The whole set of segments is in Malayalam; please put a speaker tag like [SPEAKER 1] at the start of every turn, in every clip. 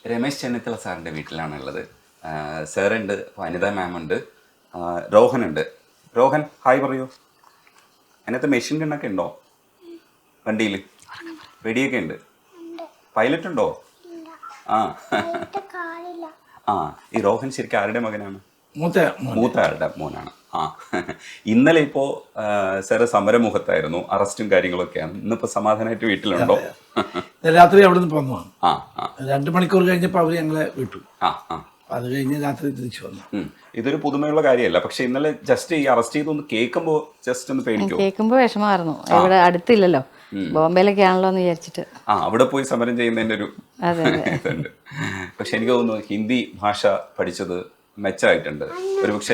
[SPEAKER 1] രമേശ് ചെന്നിത്തല സാറിൻ്റെ വീട്ടിലാണുള്ളത്. സാറുണ്ട്, വനിതാ മാം ഉണ്ട്, രോഹനുണ്ട്. രോഹൻ ഹായ് പറയൂ. അതിനകത്ത് മെഷീൻ ഗണ്ണൊക്കെ ഉണ്ടോ വണ്ടിയിൽ? വെടിയൊക്കെ ഉണ്ട്. പൈലറ്റ് ഉണ്ടോ? ആ ആ ഈ രോഹൻ ശരിക്കും ആരുടെ മകനാണ്? മൂത്ത ആളുടെ മോനാണ്. ആ ഇന്നലെ ഇപ്പോൾ സാറ് സമരമുഖത്തായിരുന്നു, അറസ്റ്റും കാര്യങ്ങളൊക്കെയാണ്. ഇന്നിപ്പോൾ സമാധാനമായിട്ട് വീട്ടിലുണ്ടോ?
[SPEAKER 2] രാത്രി അവിടെ നിന്ന് പോന്നതാണ്.
[SPEAKER 1] ആ ആ
[SPEAKER 2] 2 മണിക്കൂർ കഴിഞ്ഞപ്പോൾ അവർ ഞങ്ങളെ വിട്ടു.
[SPEAKER 1] ആ ആ
[SPEAKER 2] അത് കഴിഞ്ഞ് രാത്രി തിരിച്ചു വന്നു.
[SPEAKER 1] ഇതൊരു പുതുമയുള്ള കാര്യമല്ല. പക്ഷെ ഇന്നലെ ജസ്റ്റ് ഈ അറസ്റ്റ് ചെയ്തൊന്ന് കേൾക്കുമ്പോൾ ജസ്റ്റ് ഒന്ന് പേടിക്കും.
[SPEAKER 3] കേൾക്കുമ്പോൾ വിഷമമായിരുന്നു. ഇവിടെ അടുത്തില്ലല്ലോ, ബോംബെയിലൊക്കെ ആണല്ലോ എന്ന് വിചാരിച്ചിട്ട്
[SPEAKER 1] അവിടെ പോയി സമരം ചെയ്യുന്നതിൻ്റെ ഒരു ഇതുണ്ട്. പക്ഷെ എനിക്ക് തോന്നുന്നു ഹിന്ദി ഭാഷ പഠിച്ചത് മെച്ചമായിട്ടുണ്ട്. ഒരുപക്ഷെ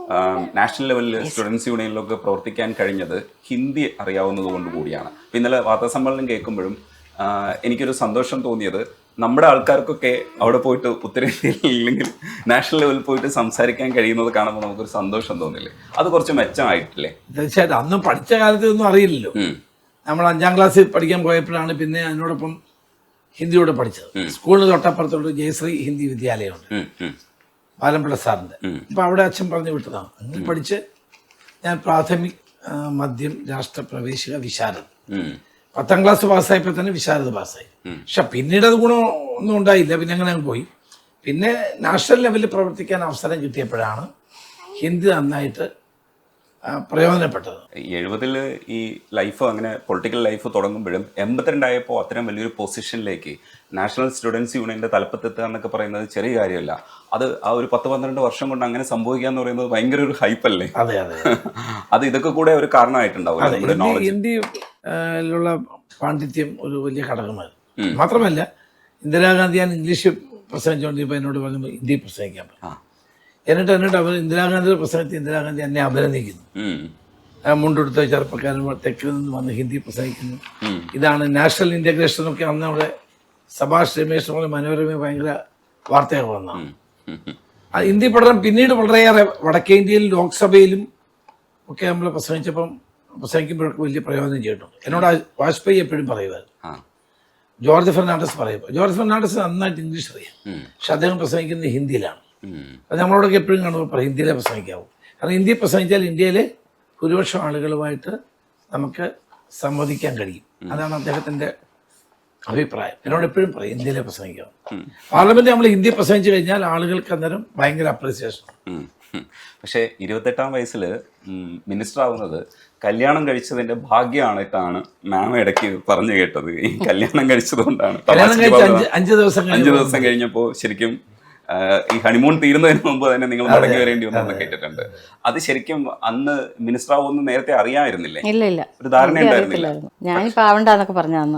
[SPEAKER 1] നാഷണൽ ലെവലിൽ സ്റ്റുഡൻസ് യൂണിയനിലൊക്കെ പ്രവർത്തിക്കാൻ കഴിഞ്ഞത് ഹിന്ദി അറിയാവുന്നത് കൊണ്ട് കൂടിയാണ്. അപ്പം ഇന്നലെ വാർത്താസമ്മേളനം കേൾക്കുമ്പോഴും എനിക്കൊരു സന്തോഷം തോന്നിയത്, നമ്മുടെ ആൾക്കാർക്കൊക്കെ അവിടെ പോയിട്ട് ഉത്തരേന്ത്യയിൽ ഇല്ലെങ്കിൽ നാഷണൽ ലെവലിൽ പോയിട്ട് സംസാരിക്കാൻ കഴിയുന്നത് കാണുമ്പോൾ നമുക്കൊരു സന്തോഷം തോന്നില്ലേ? അത് കുറച്ച് മെച്ചമായിട്ടില്ലേ?
[SPEAKER 2] തീർച്ചയായിട്ടും. അന്നും പഠിച്ച കാലത്ത് ഒന്നും അറിയില്ലല്ലോ. നമ്മൾ 5ാം ക്ലാസ്സിൽ പഠിക്കാൻ പോയപ്പോഴാണ് പിന്നെ അതിനോടൊപ്പം ഹിന്ദിയോടെ പഠിച്ചത്. സ്കൂളിന് തൊട്ടപ്പുറത്തോട്ട് ജയശ്രീ ഹിന്ദി വിദ്യാലയമുണ്ട്, പാലംപിള്ള സാറിൻ്റെ. അപ്പം അവിടെ അച്ഛൻ പറഞ്ഞു വിട്ടതാണ്. അങ്ങനെ പഠിച്ച് ഞാൻ പ്രാഥമിക്, മദ്യം, രാഷ്ട്ര പ്രവേശിക, വിശാരദ 10ാം ക്ലാസ് പാസ്സായപ്പോൾ തന്നെ വിശാരദ പാസ്സായി. പക്ഷെ പിന്നീട് അത് ഗുണമൊന്നും ഉണ്ടായില്ല. പിന്നെ അങ്ങനെ പോയി. പിന്നെ നാഷണൽ ലെവലിൽ പ്രവർത്തിക്കാൻ അവസരം കിട്ടിയപ്പോഴാണ് ഹിന്ദി നന്നായിട്ട് പ്രയോജനപ്പെട്ടത്.
[SPEAKER 1] 70 ഈ ലൈഫ് അങ്ങനെ പൊളിറ്റിക്കൽ ലൈഫ് തുടങ്ങുമ്പോഴും 82 ആയപ്പോൾ അത്തരം വലിയൊരു പൊസിഷനിലേക്ക് നാഷണൽ സ്റ്റുഡൻസ് യൂണിയന്റെ തലപ്പത്തെത്തുക എന്നൊക്കെ പറയുന്നത് ചെറിയ കാര്യമല്ല. അത് ആ ഒരു 10-12 വർഷം കൊണ്ട് അങ്ങനെ സംഭവിക്കുക എന്ന് പറയുന്നത് ഭയങ്കര ഒരു ഹൈപ്പല്ലേ?
[SPEAKER 2] അതെ അതെ.
[SPEAKER 1] അത് ഇതൊക്കെ കൂടെ ഒരു കാരണമായിട്ടുണ്ടാവും.
[SPEAKER 2] ഹിന്ദിയിലുള്ള പാണ്ഡിത്യം ഒരു വലിയ ഘടകമായിരുന്നു. മാത്രമല്ല ഇന്ദിരാഗാന്ധി ഞാൻ ഇംഗ്ലീഷ് പ്രസംഗിച്ചുകൊണ്ടിരിപ്പോൾ എന്നോട് പറഞ്ഞു ഹിന്ദി പ്രസംഗിക്കാൻ പറ്റും. എന്നിട്ട് അവർ ഇന്ദിരാഗാന്ധിയുടെ പ്രസംഗത്തിൽ ഇന്ദിരാഗാന്ധി എന്നെ അഭിനന്ദിക്കുന്നു. മുണ്ടെടുത്ത ചെറുപ്പക്കാരൻ തെക്കിൽ നിന്ന് വന്ന് ഹിന്ദി പ്രസംഗിക്കുന്നു. ഇതാണ് നാഷണൽ ഇൻ്റഗ്രേഷൻ ഒക്കെ അന്ന് അവിടെ സഭാഷ് രമേശ് പോലെ മനോരമ ഭയങ്കര വാർത്തയൊക്കെ വന്നതാണ്. ഹിന്ദി പഠനം പിന്നീട് വളരെയേറെ വടക്കേ ഇന്ത്യയിലും ലോക്സഭയിലും ഒക്കെ നമ്മൾ പ്രസംഗിക്കുമ്പോഴൊക്കെ വലിയ പ്രയോജനം ചെയ്തിട്ടുണ്ട്. എന്നോട് വാജ്പേയി എപ്പോഴും പറയുമായിരുന്നു, ജോർജ് ഫെർണാണ്ടസ് പറയുമ്പോൾ. ജോർജ് ഫെർണാണ്ടസ് നന്നായിട്ട് ഇംഗ്ലീഷ് അറിയാം, പക്ഷെ അദ്ദേഹം പ്രസംഗിക്കുന്നത് ഹിന്ദിയിലാണ്. അത് നമ്മളോടൊക്കെ എപ്പോഴും കാണുമ്പോൾ പറയും ഹിന്ദിയിലെ പ്രസംഗിക്കാവൂ. കാരണം ഹിന്ദി പ്രസംഗിച്ചാൽ ഇന്ത്യയിലെ ഭൂരിപക്ഷം ആളുകളുമായിട്ട് നമുക്ക് സംവദിക്കാൻ കഴിയും. അതാണ് അദ്ദേഹത്തിൻ്റെ അഭിപ്രായം. എന്നോട് എപ്പോഴും പറയും ഹിന്ദിയിലെ പ്രസംഗിക്കാവും. പാർലമെന്റ് നമ്മൾ ഹിന്ദി പ്രസംഗിച്ചു കഴിഞ്ഞാൽ ആളുകൾക്ക് അന്നേരം ഭയങ്കര അപ്രീസിയേഷൻ.
[SPEAKER 1] പക്ഷേ 28ാം വയസ്സിൽ മിനിസ്റ്റർ ആവുന്നത് കല്യാണം കഴിച്ചതിന്റെ ഭാഗ്യമായിട്ടാണ് മാം ഇടയ്ക്ക് പറഞ്ഞു കേട്ടത്. ഈ കല്യാണം കഴിച്ചതുകൊണ്ടാണ്
[SPEAKER 2] 5 ദിവസം
[SPEAKER 1] കഴിഞ്ഞപ്പോൾ ശരിക്കും ഈ ഹണിമൂൺ തീരുന്നതിന് മുമ്പ് തന്നെ നിങ്ങൾ മടങ്ങി വരേണ്ടി വന്നു കേട്ടിട്ടുണ്ട്. അത് ശരിക്കും അന്ന് മിനിസ്റ്റർ ആവുമെന്ന് നേരത്തെ അറിയാമായിരുന്നില്ലേ?
[SPEAKER 3] ഇല്ല,
[SPEAKER 1] ഒരു ധാരണ ഉണ്ടായിരുന്നില്ല.
[SPEAKER 3] ഞാനിപ്പോ ആവണ്ടെന്നൊക്കെ പറഞ്ഞു അന്ന്.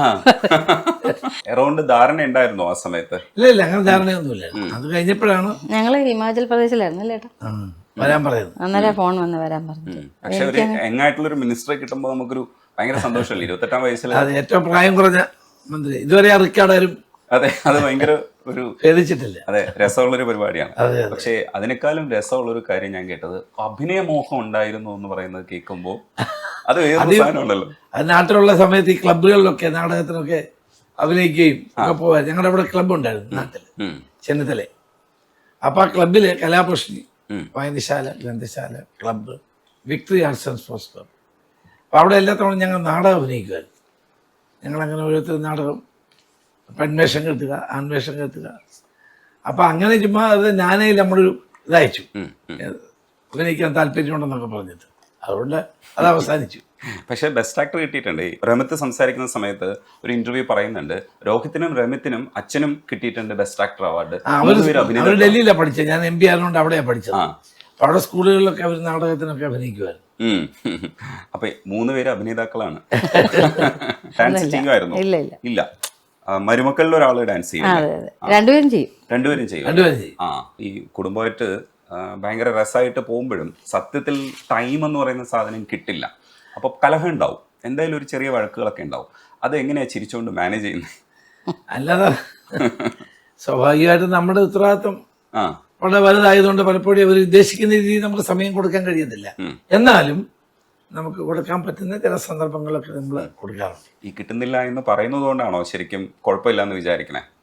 [SPEAKER 1] എറൗണ്ട് ധാരണ ഉണ്ടായിരുന്നോ ആ സമയത്ത്?
[SPEAKER 2] ഇല്ല, അങ്ങനെ ധാരണയൊന്നുമില്ല. അത് കഴിഞ്ഞപ്പോഴാണ്
[SPEAKER 3] ഞങ്ങള് ഹിമാചൽ പ്രദേശിലായിരുന്നു അല്ലേ
[SPEAKER 2] വരാൻ പറയുന്നത്.
[SPEAKER 3] അന്നേരം ഫോൺ വന്ന് വരാൻ പറഞ്ഞു.
[SPEAKER 1] പക്ഷെ ഒരു യങ്ങായിട്ടുള്ള ഒരു മിനിസ്റ്ററെ കിട്ടുമ്പോൾ നമുക്കൊരു ഭയങ്കര സന്തോഷമല്ലേ? 28ാം വയസ്സിൽ
[SPEAKER 2] ഏറ്റവും പ്രായം കുറഞ്ഞ മന്ത്രി. ഇതുവരെ ആ റിക്കാർഡാരും
[SPEAKER 1] അതെ, അത് ഭയങ്കര ഒരു
[SPEAKER 2] ഭേദിച്ചിട്ടില്ല.
[SPEAKER 1] അതെ, രസമുള്ളൊരു പരിപാടിയാണ്. പക്ഷെ അതിനേക്കാളും രസമുള്ളൊരു കാര്യം ഞാൻ കേട്ടത് അഭിനയമോഹം ഉണ്ടായിരുന്നു എന്ന് പറയുന്നത് കേൾക്കുമ്പോൾ അത് വേറൊരു സാധനമുണ്ടല്ലോ.
[SPEAKER 2] അത് നാട്ടിലുള്ള സമയത്ത് ഈ ക്ലബുകളിലൊക്കെ നാടകത്തിനൊക്കെ അഭിനയിക്കുകയും ഒക്കെ പോവാൻ. ഞങ്ങളുടെ അവിടെ ക്ലബ്ബ് ഉണ്ടായിരുന്നു നാട്ടില്, ചെന്നിത്തല. അപ്പൊ ആ ക്ലബില് കലാപ്രശ്നി, വായനശാല, ഗ്രന്ഥശാല, club, Victory Arts and Sports Club. അപ്പൊ അവിടെ എല്ലാ തവണ ഞങ്ങൾ നാടകം അഭിനയിക്കുമായിരുന്നു. ഞങ്ങളങ്ങനെ ഓരോരുത്തർ നാടകം പെൺവേഷം കെട്ടുക, ആൺവേഷം കെട്ടുക. അപ്പം അങ്ങനെ ചുമ്മാ അത് ഞാനേ നമ്മളൊരു ഇതയച്ചു, അഭിനയിക്കാൻ താല്പര്യമുണ്ടെന്നൊക്കെ പറഞ്ഞിട്ട്. അതുകൊണ്ട് അത് അവസാനിച്ചു.
[SPEAKER 1] പക്ഷേ ബെസ്റ്റ് ആക്ടർ കിട്ടിയിട്ടുണ്ട്. രമിത്ത് സംസാരിക്കുന്ന സമയത്ത് ഒരു ഇന്റർവ്യൂ പറയുന്നുണ്ട്, രോഹിത്തിനും രമിത്തിനും അച്ഛനും കിട്ടിയിട്ടുണ്ട് ബെസ്റ്റ് ആക്ടർ അവാർഡ്.
[SPEAKER 2] അവർ ഡൽഹിയിലാണ് പഠിച്ചത്. ഞാൻ MB ആയതുകൊണ്ട് അവിടെയാണ് പഠിച്ചത്. അപ്പം അവിടെ സ്കൂളുകളിലൊക്കെ അവർ നാടകത്തിനൊക്കെ അഭിനയിക്കുമായിരുന്നു.
[SPEAKER 1] അപ്പൊ 3 പേര് അഭിനേതാക്കളാണ്. ഡാൻസ് ചെയ്യുമായിരുന്നു? ഇല്ല. മരുമക്കളിൽ ഒരാള് ഡാൻസ് ചെയ്യും. രണ്ടുപേരും ചെയ്യും. ആ ഈ കുടുംബമായിട്ട് ഭയങ്കര രസമായിട്ട് പോകുമ്പോഴും സത്യത്തിൽ ടൈം എന്ന് പറയുന്ന സാധനം കിട്ടില്ല. അപ്പൊ കലഹം ഉണ്ടാവും, എന്തായാലും ഒരു ചെറിയ വഴക്കുകളൊക്കെ ഉണ്ടാവും. അത് എങ്ങനെയാ ചിരിച്ചുകൊണ്ട് മാനേജ് ചെയ്യുന്നത്?
[SPEAKER 2] അല്ലാതെ സ്വാഭാവികമായിട്ടും നമ്മുടെ ഉത്തരവാദിത്വം വളരെ വലുതായതുകൊണ്ട് പലപ്പോഴും അവർ ഉദ്ദേശിക്കുന്ന രീതിയിൽ നമുക്ക് സമയം കൊടുക്കാൻ കഴിയുന്നില്ല. എന്നാലും നമുക്ക് കൊടുക്കാൻ പറ്റുന്ന ചില സന്ദർഭങ്ങളൊക്കെ നമ്മൾ കൊടുക്കാറുണ്ട്.
[SPEAKER 1] ഈ കിട്ടുന്നില്ല എന്ന് പറയുന്നത് കൊണ്ടാണോ ശരിക്കും കുഴപ്പമില്ല എന്ന് വിചാരിക്കണേ?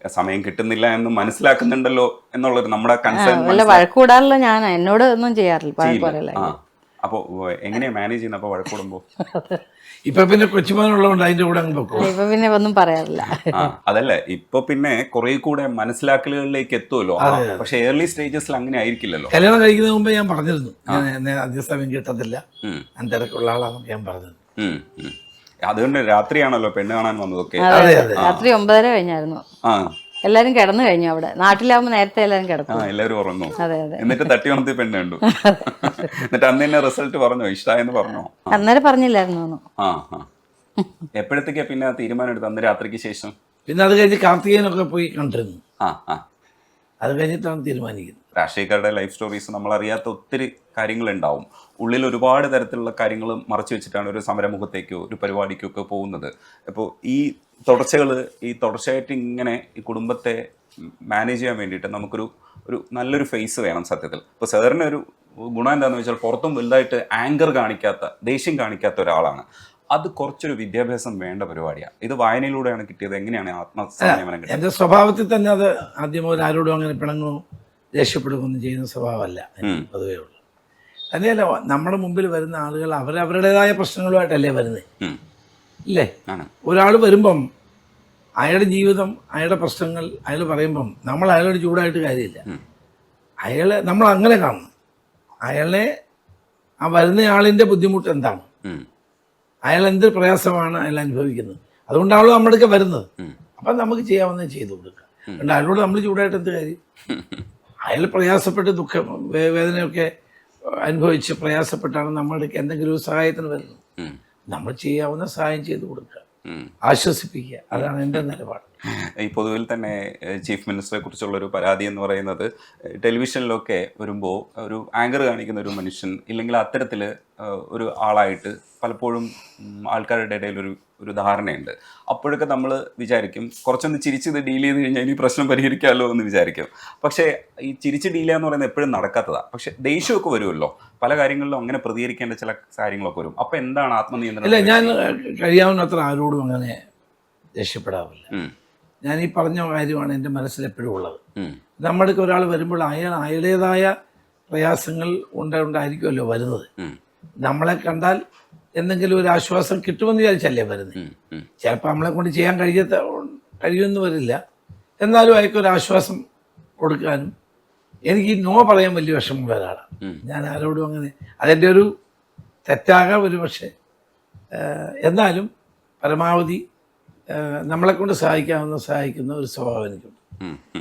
[SPEAKER 1] സമയം കിട്ടുന്നില്ല എന്ന് മനസ്സിലാക്കുന്നുണ്ടല്ലോ എന്നുള്ളൊരു നമ്മുടെ കൺസേൺ
[SPEAKER 3] വല്ല വഴക്കൂടാറില്ല, ഞാൻ എന്നോട് ഒന്നും ചെയ്യാറില്ല, വഴക്ക് പറയില്ല.
[SPEAKER 1] അപ്പോൾ എങ്ങനെയാ മാനേജ് ചെയ്യുന്നത് അപ്പോൾ വഴക്കൂടുമ്പോൾ?
[SPEAKER 2] ഇപ്പൊ പിന്നെ കൊച്ചുമോനുള്ളതുകൊണ്ട് അതിന്റെ കൂടെ അങ്ങ് പൊക്കോ.
[SPEAKER 3] ഇപ്പൊ പിന്നെ ഒന്നും പറയാറില്ല.
[SPEAKER 1] അതല്ല, ഇപ്പൊ പിന്നെ കുറെ കൂടെ മനസ്സിലാക്കലുകളിലേക്ക് എത്തുമല്ലോ. പക്ഷെ ഏർലി സ്റ്റേജസിൽ അങ്ങനെ ആയിരിക്കില്ലല്ലോ.
[SPEAKER 2] കല്യാണം കഴിക്കുന്നതിന് മുമ്പ് ഞാൻ പറഞ്ഞിരുന്നു, ഞാൻ അധിക സമയം കിട്ടത്തില്ല, ഞാൻ തിരക്കുള്ള ആളാണെന്ന് ഞാൻ പറഞ്ഞത്.
[SPEAKER 1] അതുകൊണ്ട് രാത്രിയാണല്ലോ പെണ്ണ് കാണാൻ വന്നതൊക്കെ.
[SPEAKER 3] രാത്രി 9:30 കഴിഞ്ഞായിരുന്നു. എല്ലാരും കിടന്നു കഴിഞ്ഞു. അവിടെ നാട്ടിലാവുമ്പോ നേരത്തെ എല്ലാരും കിടക്കും.
[SPEAKER 1] എല്ലാവരും ഉറങ്ങും.
[SPEAKER 3] അതെ അതെ.
[SPEAKER 1] എന്നിട്ട് തട്ടി ഉണർത്തി പെണ്ണ് കണ്ടു. എന്നിട്ട് അന്ന് തന്നെ റിസൾട്ട് പറഞ്ഞോ, ഇഷ്ടായെന്ന് പറഞ്ഞോ?
[SPEAKER 3] അന്നേരം പറഞ്ഞില്ലായിരുന്നു.
[SPEAKER 1] എപ്പോഴത്തേക്കാ പിന്നെ തീരുമാനം എടുത്ത്? അന്ന് രാത്രിക്ക് ശേഷം?
[SPEAKER 2] പിന്നെ അത് കഴിഞ്ഞ് കാർത്തികേയനൊക്കെ പോയി കണ്ടിരുന്നു. അത് കഴിഞ്ഞിട്ടാണ് തീരുമാനിക്കുന്നത്.
[SPEAKER 1] രാഷ്ട്രീയക്കാരുടെ ലൈഫ് സ്റ്റോറീസ് നമ്മൾ അറിയാത്ത ഒത്തിരി കാര്യങ്ങളുണ്ടാവും. ഉള്ളിൽ ഒരുപാട് തരത്തിലുള്ള കാര്യങ്ങൾ മറച്ചു വെച്ചിട്ടാണ് ഒരു സമരമുഖത്തേക്കോ ഒരു പരിപാടിക്കോ ഒക്കെ പോകുന്നത്. അപ്പോൾ ഈ തുടർച്ചയായിട്ട് ഇങ്ങനെ ഈ കുടുംബത്തെ മാനേജ് ചെയ്യാൻ വേണ്ടിയിട്ട് നമുക്കൊരു നല്ലൊരു ഫേസ് വേണം സത്യത്തിൽ. ഇപ്പോൾ സാറിന് ഒരു ഗുണം എന്താണെന്ന് വെച്ചാൽ പുറത്തും വലുതായിട്ട് ആങ്കർ കാണിക്കാത്ത, ദേഷ്യം കാണിക്കാത്ത ഒരാളാണ്. അത് കുറച്ചൊരു വിദ്യാഭ്യാസം വേണ്ട പരിപാടിയാണ്. ഇത് വായനയിലൂടെയാണ് കിട്ടിയത്. എങ്ങനെയാണ് ആത്മസംയമനം കിട്ടിയത്?
[SPEAKER 2] എൻ്റെ സ്വഭാവത്തിൽ തന്നെ അത് ആദ്യം മുതൽ ആരോടും അങ്ങനെ പിണങ്ങോ ദേഷ്യപ്പെടുകയൊന്നും ചെയ്യുന്ന സ്വഭാവമല്ല പൊതുവേ ഉള്ളു. തന്നെയല്ല, നമ്മുടെ മുമ്പിൽ വരുന്ന ആളുകൾ അവരവരുടേതായ പ്രശ്നങ്ങളുമായിട്ടല്ലേ വരുന്നത്, ഇല്ലേ? ഒരാൾ വരുമ്പം അയാളുടെ ജീവിതം, അയാളുടെ പ്രശ്നങ്ങൾ അയാൾ പറയുമ്പം നമ്മൾ അയാളോട് ചൂടായിട്ട് കാര്യമില്ല. നമ്മൾ അങ്ങനെ കാണണം. അയാളെ ആ വരുന്ന ആളിൻ്റെ ബുദ്ധിമുട്ട് എന്താണ്, അയാൾ എന്ത് പ്രയാസമാണ് അയാൾ അനുഭവിക്കുന്നത്, അതുകൊണ്ടാണല്ലോ നമ്മുടെ അടുക്ക വരുന്നത്. അപ്പം നമുക്ക് ചെയ്യാവുന്നത് ചെയ്തു കൊടുക്കുക. അതുകൊണ്ട് അയാളോട് നമ്മൾ ചൂടായിട്ട് എന്ത് കാര്യം? അയാൾ പ്രയാസപ്പെട്ട് ദുഃഖം വേദനയൊക്കെ അനുഭവിച്ച് പ്രയാസപ്പെട്ടാണ് നമ്മുടെ എന്തെങ്കിലും ഒരു സഹായത്തിന് വരുന്നത്. നമ്മൾ ചെയ്യാവുന്ന സഹായം ചെയ്തു കൊടുക്കുക, ആശ്വസിപ്പിക്കുക. അതാണ് എൻ്റെ നിലപാട്.
[SPEAKER 1] ഈ പൊതുവിൽ തന്നെ ചീഫ് മിനിസ്റ്ററെ കുറിച്ചുള്ളൊരു പരാതി എന്ന് പറയുന്നത്, ടെലിവിഷനിലൊക്കെ വരുമ്പോൾ ഒരു ആങ്കർ കാണിക്കുന്ന ഒരു മനുഷ്യൻ ഇല്ലെങ്കിൽ അത്തരത്തിൽ ഒരു ആളായിട്ട് പലപ്പോഴും ആൾക്കാരുടെ ഇടയിൽ ഒരു ധാരണയുണ്ട്. അപ്പോഴൊക്കെ നമ്മൾ വിചാരിക്കും കുറച്ചൊന്ന് ചിരിച്ചത് ഡീൽ ചെയ്ത് കഴിഞ്ഞാൽ ഇനി പ്രശ്നം പരിഹരിക്കാമല്ലോ എന്ന് വിചാരിക്കും. പക്ഷേ ഈ ചിരിച്ച് ഡീൽ ചെയ്യാന്ന് പറയുന്നത് എപ്പോഴും നടക്കാത്തതാണ്. പക്ഷെ ദേഷ്യമൊക്കെ വരുമല്ലോ, പല കാര്യങ്ങളിലും അങ്ങനെ പ്രതികരിക്കേണ്ട ചില കാര്യങ്ങളൊക്കെ വരും. അപ്പം എന്താണ് ആത്മനിയന്ത്രണം?
[SPEAKER 2] അല്ല, ഞാൻ കഴിയാവുന്നത്ര ആരോടും അങ്ങനെ ദേഷ്യപ്പെടാറില്ല. ഞാൻ ഈ പറഞ്ഞ കാര്യമാണ് എൻ്റെ മനസ്സിലെപ്പോഴും ഉള്ളത്. നമ്മുടെ ഒരാൾ വരുമ്പോൾ അയാളുടേതായ പ്രയാസങ്ങൾ ഉണ്ടായിരിക്കുമല്ലോ വരുന്നത്. നമ്മളെ കണ്ടാൽ എന്തെങ്കിലും ഒരു ആശ്വാസം കിട്ടുമെന്ന് വിചാരിച്ചല്ലേ വരുന്നത്. ചിലപ്പോൾ നമ്മളെ കൊണ്ട് ചെയ്യാൻ കഴിയുമെന്ന് വരില്ല. എന്നാലും അയാൾക്കൊരു ആശ്വാസം കൊടുക്കാനും എനിക്ക് നോ പറയാൻ വലിയ വിഷമമുള്ള ഒരാളാണ് ഞാൻ. ആരോടും അങ്ങനെ, അതെൻ്റെ ഒരു തെറ്റാകാം ഒരു പക്ഷേ. എന്നാലും പരമാവധി നമ്മളെ കൊണ്ട് സഹായിക്കുന്ന ഒരു സ്വഭാവം എനിക്കുണ്ട്.